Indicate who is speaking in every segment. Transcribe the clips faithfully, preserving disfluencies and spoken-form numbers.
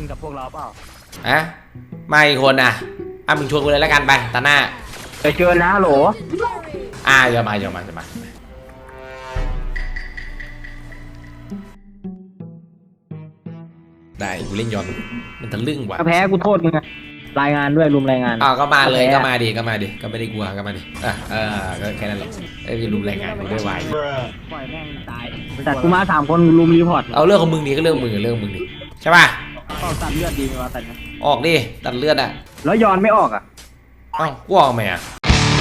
Speaker 1: กับพวกเราเปล่า
Speaker 2: อะมาอีกคนอ่ะอ่ะมึงชวนกูเลยแล้วกันไปตาหน้า
Speaker 1: ไปเจอนะโหล
Speaker 2: อ่ะเดี๋ยวมาเดี๋ยวมาเดี๋ยวมาได้กูเล่นย้อนมันทะลึ่งว่ะ
Speaker 1: แพ้กูโทษมึงอะรายงานด้วยรุมรายงาน
Speaker 2: อ่าก็มาเลยก็มาดิก็มาดิก็ไม่ได้กลัวก็มาดิอ่ะเออก็แค่นั้นแหละไอ้รุมรายงานกูด้วยวาย
Speaker 1: ปล่อยแม่งตายแต่กูมาสามคนรุมรีพอร์ต
Speaker 2: เอาเรื่องของมึงดิก็เรื่องมึงเรื่องมึงดิใช่ป่ะ
Speaker 1: ออกตัดเลือดดีไหมวะตัด
Speaker 2: ออกดิตัดเลือดอ่ะ
Speaker 1: แล้วย้อนไม่ออกอ่ะ
Speaker 2: เอ้ากูออกไหมอ่ะ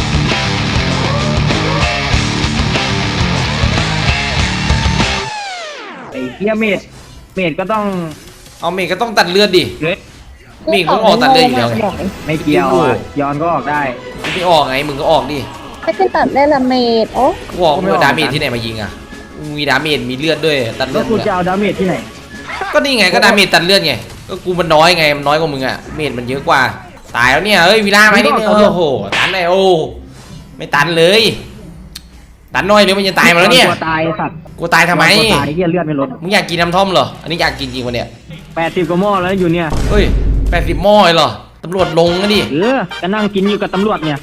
Speaker 1: ไอ้เหี้ยเมดเมดก็ต้อง
Speaker 2: เอาเมดก็ต้องตัดเลือดดิเมดก็ออกตัดเลือดอยู่แล้วไง
Speaker 1: ไม่เกี่ยวย้อนก็ออกได้
Speaker 2: ไม่ออกไงมึงก็ออกดิ
Speaker 3: ไม่ใช่ตัดได้ละเมดโอ้
Speaker 2: กูออกมึงดาเมจที่ไหนมายิงอ่ะมีดาเมจมีเลือดด้วยตัดเลือด
Speaker 1: แล้วกูจะเอาดาเมจที่ไหน
Speaker 2: ก็นี่ไงก็ดาเมจตัดเลือดไงก็กูมันน้อยไงมันน้อยกว่ามึงอ่ะเมจมันเยอะกว่าตายแล้วเนี่ยเฮ้ยวีล่าไหมนี่โอ้โหตันเลยโอ้ไม่ตันเลยตันน้อยเดี๋ยวมันจะตายมาแล้วเนี่ย
Speaker 1: กูตายสัตว์
Speaker 2: กูตายทำไม
Speaker 1: กูตายเหี้ยเลือดไม่ลด
Speaker 2: มึงอยากกินน้ำท่อมเหรออันนี้อยากกินจริงวะเนี่ย
Speaker 1: แปดสิบกว่าหม้อแล้วอยู่เนี่ย
Speaker 2: เฮ้ยแปดสิบหม้อเหรอตำรวจลงนะดิ
Speaker 1: เออก็นั่งกินอยู่กับตำรวจเนี่ย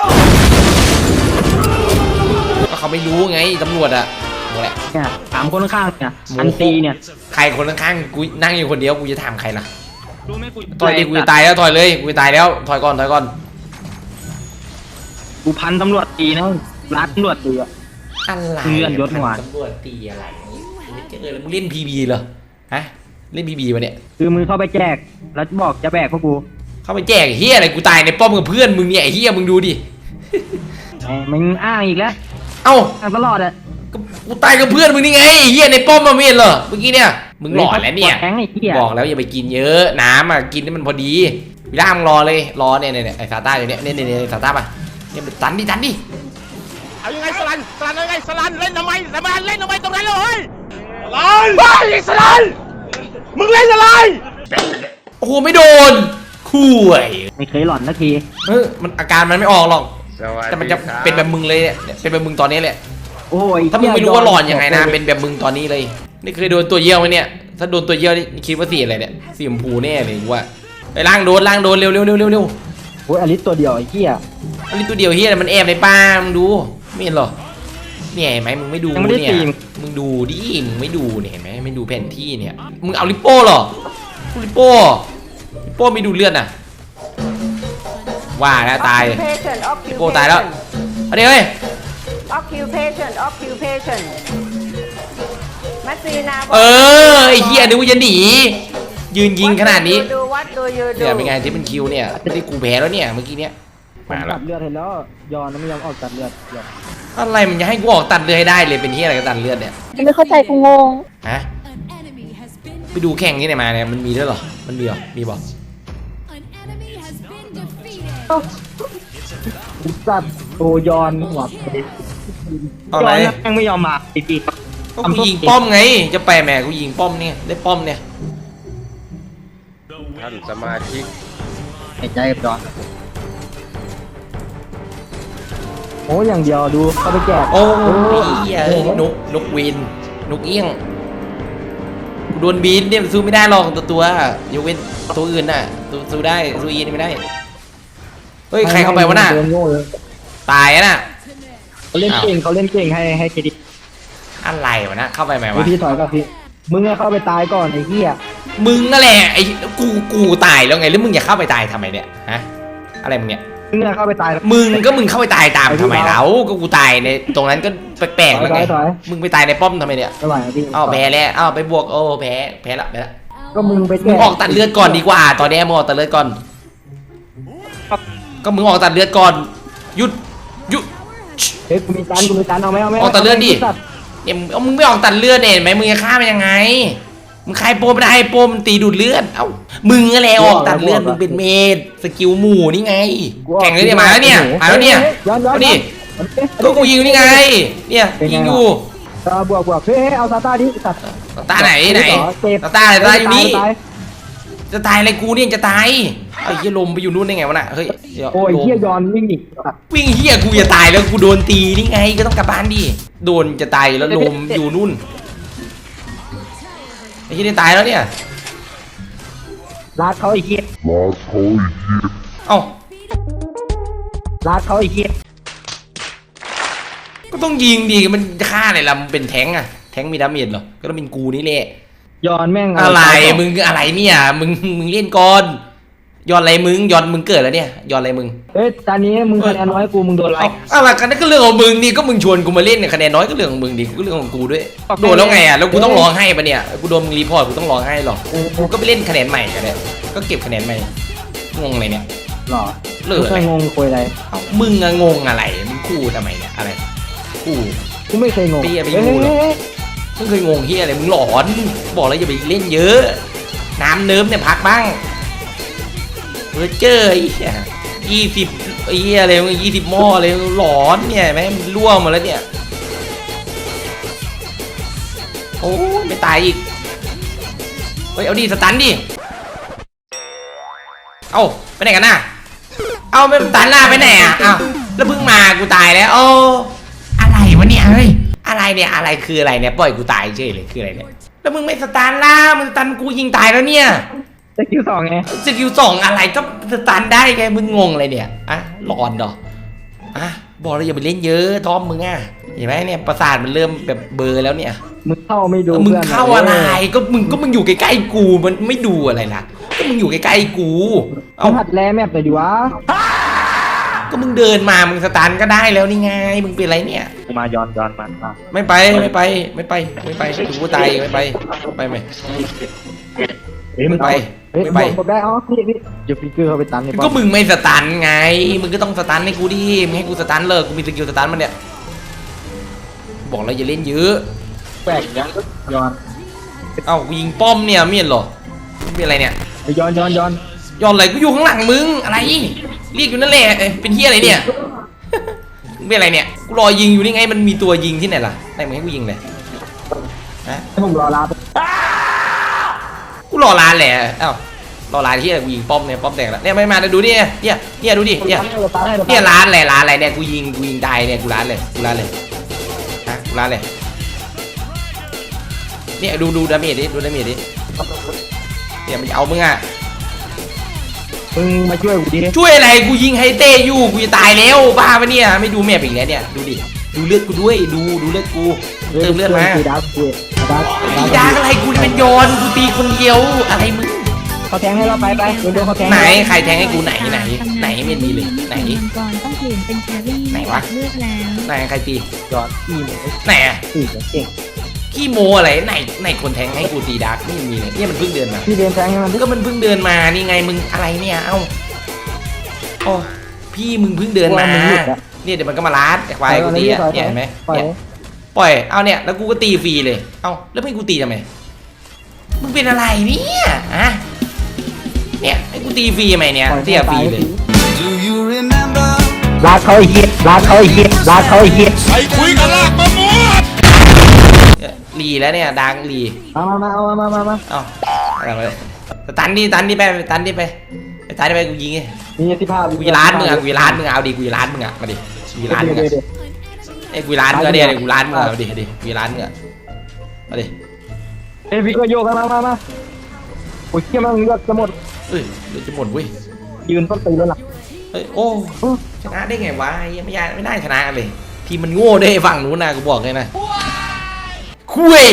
Speaker 2: ก็เขาไม่รู้ไงตำรวจอะ
Speaker 1: เนี่ยถามคนข้างเนี่ยอันตีเนี่ย
Speaker 2: ใครคนข้างกูนั่งอยู่คนเดียวกูจะถามใครล่ะถอยดิกูจะตายแล้วถอยเลยกูจะตายแล้วถอยก่อนถอยก่อน
Speaker 1: กูพันตำรวจตีนะรัดตำรวจตีอะ
Speaker 2: อะไร
Speaker 1: เลื่อนยศหวาน
Speaker 2: ตำรวจตีอะไรไม่เจอแล้วมึงเล่นพีบีเหรอฮะเล่นพีบีวะเนี่ย
Speaker 1: คือมึงเข้าไปแจกแล้วบอกจะแบกพวกกู
Speaker 2: เข้าไปแจกเฮียอะไรกูตายในป้อมกับเพื่อนมึงเนี่ยเฮียมึงดูดิ
Speaker 1: มึงอ้างอีกแล้ว
Speaker 2: เอ้า
Speaker 1: อ้างตลอดอะ
Speaker 2: กูตายกับเพื่อนมึงนี่ไงเฮียในป้อมมาเมียนเหรอเมื่อกี้เนี่ยมึงหลอดแล้วเนี่ยบอกแล้วอย่าไปกินเยอะน้ำอ่ะกินให้มันพอดีวิล่ามรอเลยรอเนี่ยเนี่ยไอ้ซาต้าอยู่เนี่ยเนี่ยเนี่ยซาต้าป่ะเนี่ยตันดิตันดิ
Speaker 4: เอายังไงสลันสลันยังไงสลันเล่นทำไมสลันเล่นทำไมตรงนั้นเลยสลันไปสลันมึงเล่นอะไร
Speaker 2: โอ้โหไม่โดนคู่ไอ้
Speaker 1: ไม่เคยหลอนสักที
Speaker 2: เออมันอาการมันไม่ออกหรอกแต่มันจะเป็นแบบมึงเลยเนี่ยเป็นแบบมึงตอนนี้แหละ
Speaker 1: โอ้ย
Speaker 2: ถ้ามึงไม่รู้ว่าหลอนยังไงนะเป็นแบบมึงตอนนี้เลยนี่เคยโดนตัวเยี่ยวไหมเนี่ยถ้าโดนตัวเยี่ยวนี่คิดว่าสีอะไรเนี่ยสีชมพูแน่เลยว่าไปล่างโดนล่างโดนเร็วเร็วเร็วเร็วเร็ว
Speaker 1: โอ้ยอลิสตัวเดียวไอ้เหี้ย
Speaker 2: อลิสตัวเดียวเหี้ยมันแอบในป้ามึงดูไม่เห็นหรอเนี่ยเห็นไหมมึงไม่ดูเนี่ยมึงดูดิมึงไม่ดูเนี่ยเห็นไหมไม่ดูแผนที่เนี่ยมึงเอาลิปโป้หรอลิปโป้ลิปโป้ไม่ดูเลือดน่ะว่าแล้วตายลิปโป้ตายแล้วเอาดิเฮ้ย
Speaker 3: occupation occupation มัสซีนา
Speaker 2: เออไอ้เหี้ยนึกว่าจะหนียืนยิงขนาดนี้เนี่ยเป็นไงที่เป็นคิวเนี่ยที่กูแพ้แล้วเนี่ยเมื่อกี้เนี้ย
Speaker 1: มาตัดเลือดเห็นแล้วยอนไม่ยอมออกตัดเลือด
Speaker 2: อะไรมันจะให้กูออกตัดเลือดให้ได้เลยเป็นที่อะไรกันตัดเลือดเนี่ย
Speaker 3: ไม่เข้าใจกูงง
Speaker 2: ฮะไปดูแข่งที่ไหนมาเนี่ยมันมีด้วยหรอมันมีหรอมีบอก
Speaker 1: ตัดโอยอนหัว
Speaker 2: อะไร
Speaker 1: ยังไม่ยอมมาปีปี
Speaker 2: ก็กูยิงป้อมไงจะไปแม่กูยิงป้อมเนี่ยได้ป้อมเนี่ย
Speaker 4: ท่านสมาชิก
Speaker 1: หายใจกับจอนโอ้อย่างเดียวดูเข้าไปแจก
Speaker 2: โอ้ยเอ้ยนกนกวินนกเอี้ยงโดนบีนเนี่ยสู้ไม่ได้หรอกตัวตัวยกเว้นตัวอื่นน่ะสู้ได้สู้อีนี่ไม่ได้เฮ้ยใครเข้าไปวะน่ะตายน่ะ
Speaker 1: เขาเล่นเก่งเขาเล่นเก่งให้ให้เครดิต
Speaker 2: อะไรวะนะเข้าไปไหมวะ
Speaker 1: พี่ถอยกับพี่มึงเข้าไปตายก่อนไอ้เหี้ย
Speaker 2: มึงนั่นแหละไอ้กูกูตายแล้วไงแล้วมึงอยากเข้าไปตายทำไมเนี่ยฮะอะไรมึงเนี่ย
Speaker 1: มึงเข้าไปตาย
Speaker 2: มึงก็มึงเข้าไปตายตามทำไมแล้วก็กูตายในตรงนั้นก็แปลกๆแล้วไงมึงไปตายในป้อมทำไมเนี่ยอ้าวแพ้แล้วอ้าวไปบวกโอ้แพ้แพ้ละแพ้ละ
Speaker 1: ก็มึงไป
Speaker 2: มึงออกตัดเลือดก่อนดีกว่าตอนนี้มึงออกตัดเลือดก่อนก็มึงออกตัดเลือดก่อนหยุดหยุด
Speaker 1: เฮ้ยกูมีตันกูมีตันเอาไหมเอาไหม
Speaker 2: ออกตัดเลือดดิเนี่ยมึงไม่ออกตัดเลือดเนี่ยไหมมึงจะฆ่ามันยังไงมึงใครโปไม่ได้โปมันตีดูดเลือดเอ้ามึงอะไรออกตัดเลือดมึงเป็นเมดสกิลหมู่นี่ไงแข่งเลยเนี่ยมาแล้วเนี่ยมาแล้วเนี่ยเอาดิก็กูยิงนี่ไงเนี่ยยิงอยู่
Speaker 1: บวกบวกเฮ้ยเอาซาต้าดิซา
Speaker 2: ต้าไหนไหนซาต้าอะไรซาต้าอยู่นี่จะตายอะไรกูเนี่ยจะตายไอ้เหี้ยลมไปอยู่นู่นได้ไงวะน่ะเฮ้ย
Speaker 1: โอ้ยเหี้ยยอนวิ่งดิ
Speaker 2: วิ่งเหี้ยกูจะตายแล้วกูโดนตีนี่ไงก็ต้องกลับบ้านดิโดนจะตายแล้วลมอยู่นู่นไอ้เหี้ยได้ตายแล้วเนี่ย
Speaker 1: ลาดเขาไอ้เหี้ย
Speaker 2: เอ้า
Speaker 1: ลาดเขาไอ้เหี้ย
Speaker 2: ก็ต้องยิงดีมันฆ่าอะไรล่ะมันเป็นแทงค์อะแทงค์มีดาเมจเหรอก็ต้องเป็นกูนี่แหละ
Speaker 1: ย้อนแม่ง
Speaker 2: อะไรมึงอะไรเนี่ยมึงมึงเล่นก่อนย้อนอะไรมึงย้อนมึงเกิดแล้วเนี่ยย้อนอะไรมึง
Speaker 1: เอ้ยตอนนี้มึงคะแนนน้อยกูมึงโดนไล่
Speaker 2: เอาอะไรกันนั่นก็เรื่องของมึงนี่ก็มึงชวนกูมาเล่นเนี่ยคะแนนน้อยก็เรื่องของมึงดิก็เรื่องของกูด้วยโดนแล้วไงอ่ะแล้วกูต้องร้องไห้ปะเนี่ยกูโดนมึงรีพอร์ตกูต้องร้องไห้หรอกูก็ไปเล่นคะแนนใหม่กันเนี่ยก็เก็บคะแนนใหม่งงอะไรเนี่ย
Speaker 1: หรอ
Speaker 2: เลิก
Speaker 1: ไม่
Speaker 2: อะไร
Speaker 1: เคยงงคุยอะไร
Speaker 2: เอ้ามึงอะงงอะไรมึงคู่ทำไมเนี่ยอะไรคู่
Speaker 1: กูไม่เคยงง
Speaker 2: เปี้ยไป
Speaker 1: เอ้
Speaker 2: ดูเหรอ
Speaker 1: ย
Speaker 2: มึงเคยงงเฮียอะไรมึงหลอนบอกแล้วอย่าไปเล่นเยอะน้ำเนิ้มเนี่ยพักบ้างเออเจอไอ้เหี้ยยี่สิบไอ้เหี้ยอะไรมึงยี่สิบหม้อเลยหลอนเนี่ยแม่งร่วงหมดแล้วเนี่ยโอ้ยไม่ตายอีกเฮ้ยเอาดิสตันดิเอ้าไปไหนกันน่ะเอ้าไม่สตันหน้าไปไหนอ่ะเอ้าแล้วเพิ่งมากูตายแล้วโอ้อะไรวะเนี่ยเฮ้ยอะไรเนี่ยอะไรคืออะไรเนี่ยปล่อยกูตายเฉยเลยคืออะไรเนี่ยแล้วมึงไม่สตันล่ะมึงสตันกูยิงตายแล้วเนี่ย
Speaker 1: สกิลสองไง
Speaker 2: สกิลสองอะไรก็สตันได้ไงมึงงงอะไรเนี่ยอะหลอนดออะบอกแล้วอย่าไปเล่นเยอะทอมมึงอ่ะเห็นไหมเนี่ยประสาทมันเริ่มแบบเบลอแล้วเนี่ย
Speaker 1: มึงเข้าไม่ดู
Speaker 2: มึง
Speaker 1: พื่อน
Speaker 2: เข้าอะไรก็มึงก็มึงอยู่ใกล้ๆกูมันไม่ดูอะไรล่ะก็มึงอยู่ใกล้ๆกู
Speaker 1: เอา
Speaker 2: เอา
Speaker 1: หัดแลแมปหน่อยดิวะ
Speaker 2: ก็มึงเดินมามึงสตันก็ได้แล้วนี่ไงมึงเป็นอะไรเนี่ย
Speaker 1: กูมาย้อนย้อนมาอ่ะ
Speaker 2: ไม่ไปไม่ไปไม่ไปไม่ไปถึงกูตายไม่ไปไปไหม
Speaker 1: เฮ้ย
Speaker 2: ไม่ไป
Speaker 1: เฮ้ย
Speaker 2: ไม่ไป
Speaker 1: บอกได้อ๋อพี่พี่เดี๋ยวฟิกเกอร์เขาไปตันใน
Speaker 2: ก็มึงไม่สตันไงมึงก็ต้องสตันให้กูดิมึงให้กูสตันเลยกูมีสกิลสตันมันเนี่ยบอกแล้วอย่าเล่นเยอะ
Speaker 1: แปลกยังย้อน
Speaker 2: เอ้ากูยิงป้อมเนี่ยไม่เห็นเหรอมึงเป็นอะไรเนี่ย
Speaker 1: ไปย้อนย้อนย้อน
Speaker 2: ย้อนอะไรกูอยู่ข้างหลังมึงอะไรเรียกอยู่นั่นแหละเอ้ยเป็นเฮียอะไรเนี่ย มึงเป็นอะไรเนี่ยกูรอยิงอยู่นี่ไงมันมีตัวยิงที่ไหนล่ะไหนมึงให้กูยิงเลยฮะ
Speaker 1: ให้ผมรอลาไป
Speaker 2: กูรอร้านแหละเอ้ารอร้านที่อะไรกูยิงป้อมเนี่ยป้อมแตกแล้วเนี่ยไม่มาดูดิเนี่ยเนี่ยเนี่ยดูดิเนี่ย
Speaker 1: เราตันให้เราตัน
Speaker 2: เนี่ยร้านอะไรร้านอะไรเนี่ยกูยิงกูยิงตายเนี่ยกูร้านเลยกูร้านเลยฮะกูร้านเลยเนี่ยดูดูดาเมจดิดูดาเมจดิเนี่ยมันจะเอามึงอ่ะ
Speaker 1: มึงมาช่วยกูดิ
Speaker 2: ช่วยอะไรกูยิงไฮเต้อยู่กูจะตายแล้วบ้าปะเนี่ยไม่ดูแมปอีกแล้วเนี่ยดูดิดูเลือดกูด้วยดูดูเลือดกูเติมเลือดมา
Speaker 1: กูดับกูดับ
Speaker 2: ตีดาอะไรกูเป็นโยนกูตีคนเดียวอะไรมึง
Speaker 1: เขาแทงให้เราไปไปเดี๋ยวเดี๋ยวเขาแทง
Speaker 2: ไหนใครแทงให้กูไหนไหนไหนไม่มีเลยไหน
Speaker 5: ก่อนต้องเปลี่ยนเป็นแครี่
Speaker 2: ไหนวะ
Speaker 5: เลือกแล้ว
Speaker 2: ไหนใครตี
Speaker 1: ย้อนอีโม
Speaker 2: ไหนอะ
Speaker 1: สี่เก่ง
Speaker 2: ขี้โมอะไรไหนไหนคนแทงให้กูตีดาร์กไม่มีเลยเนี่ยมันเพิ่งเดินมา
Speaker 1: พี่เดินแทงให้มันดิ
Speaker 2: ก็มันเพิ่งเดินมานี่ไงมึงอะไรเนี่ยเอ้าโอ้พี่มึงเพิ่งเดินมาเนี่ยเดี๋ยวมันก็มาลัดไอ้ควายกูตีอ่ะเนี่ยเห็นไหม
Speaker 1: ปล่อย
Speaker 2: เนี่ยปล่อยเอาเนี่ยแล้วกูก็ตีฟรีเลยเอ้าแล้วไม่กูตีทำไมมึงเป็นอะไรเนี่ยอะเนี่ยให้กูตีฟรีทำไมเนี่ยเสียฟรีเลย
Speaker 1: ลากเขาไอ้เหี้ยลากเขาไอ้เหี้ยลากเขาไอ้เหี้ย
Speaker 4: ใครคุยกันลากมะม่วง
Speaker 2: เนี่ยรีแล้วเนี่ยดังรี
Speaker 1: มามามาเอามามามามา
Speaker 2: เอ้าอะไรไปสตันดิตันดิไปสตันดิไปไปตันดิไปกูยิงไง
Speaker 1: มีสิบห้า
Speaker 2: กูจะร้านมึงอ่ะกูจะร้านมึงอ่ะเอาดิกูจะร้านมึงอ่ะมาดิกูจะร้านมึงอ่ะไอ้กูจะร้านมึงอ่ะเดี๋ยวกูร้านมึงอ่ะเอาดิเอาดิกูจะร้านมึงอ่ะมาดิ
Speaker 1: เอ้ยพี่ก็โยกมามามาโอ้ยเชี่ยมันเลือดจะหมด
Speaker 2: เอ้ยเดี๋ยวจะหมดเว้ย
Speaker 1: ยืนต้นตีแล้วล่ะ
Speaker 2: เฮ้ยโอ้ชนะได้ไงวะยังไม่ยากไม่ได้ชนะเลยทีมมันโง่ด้วยฝั่งนู้นนะกูบอกเลยนะคุย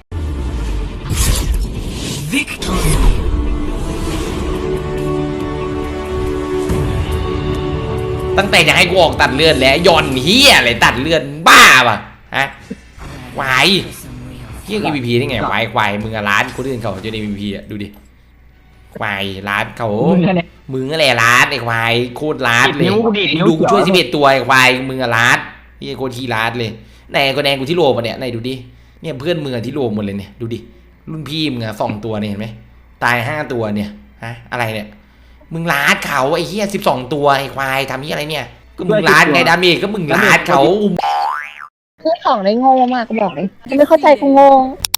Speaker 2: ตั้งแต่จะให้กูออกตัดเลือดแล้วย่อนเฮียอะไรตัดเลือดบ้าป่ะฮะวายเฮีย อี พี พี ได้ไงวายควายมึงอะร้านคนอื่นเขาจะได้ อี พี พี อ่ะดูดิควายร้านเขา
Speaker 1: มึงเนี่ย
Speaker 2: มึงอะไรร้านไอ้ควายโคตรร้านเลย
Speaker 1: นิ้วกูดิดนิ้ว
Speaker 2: ดูกูช่วย
Speaker 1: เขียว
Speaker 2: สิบเอ็ดตัวไอ้ควายมึงอะร้านพี่โคตรขี้ร้านเลยไหนก็แดงกูที่โลปะเนี่ยไหนดูดิเนี่ยเพื่อนมึงอะที่โลหมดเลยเนี่ยดูดิรุ่นพี่มึงอะสองตัวเนี่ยเห็นไหมตายห้าตัวเนี่ยฮะอะไรเนี่ยมึงร้านเขาไอ้เหี้ยสิบสองตัวไอ้ควายทำยี่อะไรเนี่ยก็มึงร้านไงดาเมจก็มึงร้านเขา
Speaker 3: คือของได้โง่มากก็บอกเลยไม่เข้าใจกูงง